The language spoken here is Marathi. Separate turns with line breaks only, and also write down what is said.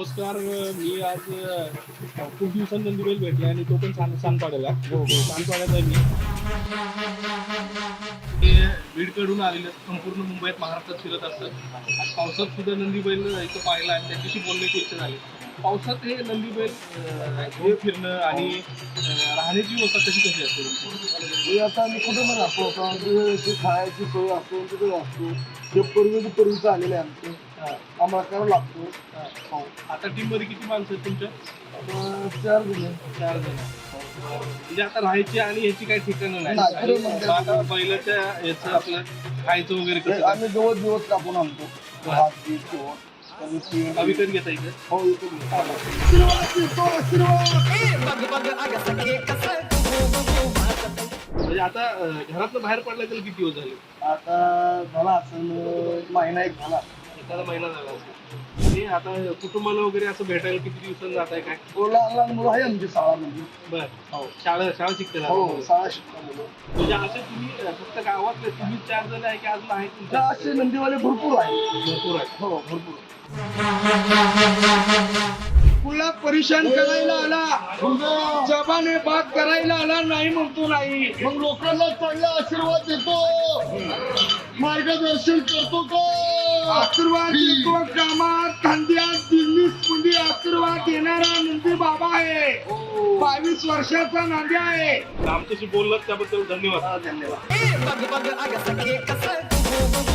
नमस्कार. मी आज खूप दिवसांनी नंदीबैल भेटले आणि तो पण सानपाड्याला. सानपाड्यात आहे मी. ते बीडकडून आलेले संपूर्ण मुंबईत महाराष्ट्रात फिरत असतात. आज पावसात सुद्धा नंदीबैल इथं पाहिला आणि त्याच्याशी बोलण्याची इच्छा झाली. पावसात हे नंदीबैल घेऊन फिरणं आणि राहण्याची व्यवस्था कशी असते?
आता आम्ही कुठं पण राहतो आता खायची सोय असतो तिथे असतो ते पूर्वीचं आलेले आहे आमचे आम्हाला करावं लागतो.
आता टीम मध्ये किती माणसं आहेत तुमच्या?
4 जण.
4 जण. म्हणजे आता राहायची आणि याची काही ठिकाणं नाही.
नाही,
आणि आता बैलाच्या याचं आपलं खायचं वगैरे कसं?
आम्ही दिवस कापून आणतो. भात, पीठ, गहू,
विकत घेता इथे?
हो विकत
म्हणजे आता घरातनं बाहेर पडला त्याला किती दिवस झाले?
आता झाला असं महिना एक झाला.
एखादा महिना झाला असेल. आणि आता कुटुंबाला वगैरे असं भेटायला किती दिवसांनी जात आहे काय?
लहान लहान मुलं आहे आमची शाळामध्ये.
बर. हो. शाळा शिकते.
हो शाळा शिकतात.
म्हणजे असे तुम्ही फक्त गावातले तुम्ही 4 जण आहे की अजून आहेत तुमच्या?
असे नंदीवाले भरपूर आहे.
भरपूर आहे.
हो भरपूर. पुला परेशान करायला आला, जबाने बात करायला आला नाही म्हणतो नाही. मग लोकांना चांगला आशीर्वाद देतो, मार्गदर्शन करतो का? आशीर्वाद देतो कामात धंद्यात बिझनेस मध्ये आशीर्वाद देणारा नंदी बाबा आहे. 22 वर्षाचा नांद्या आहे.
आमच्याशी बोललात त्याबद्दल धन्यवाद.
धन्यवाद.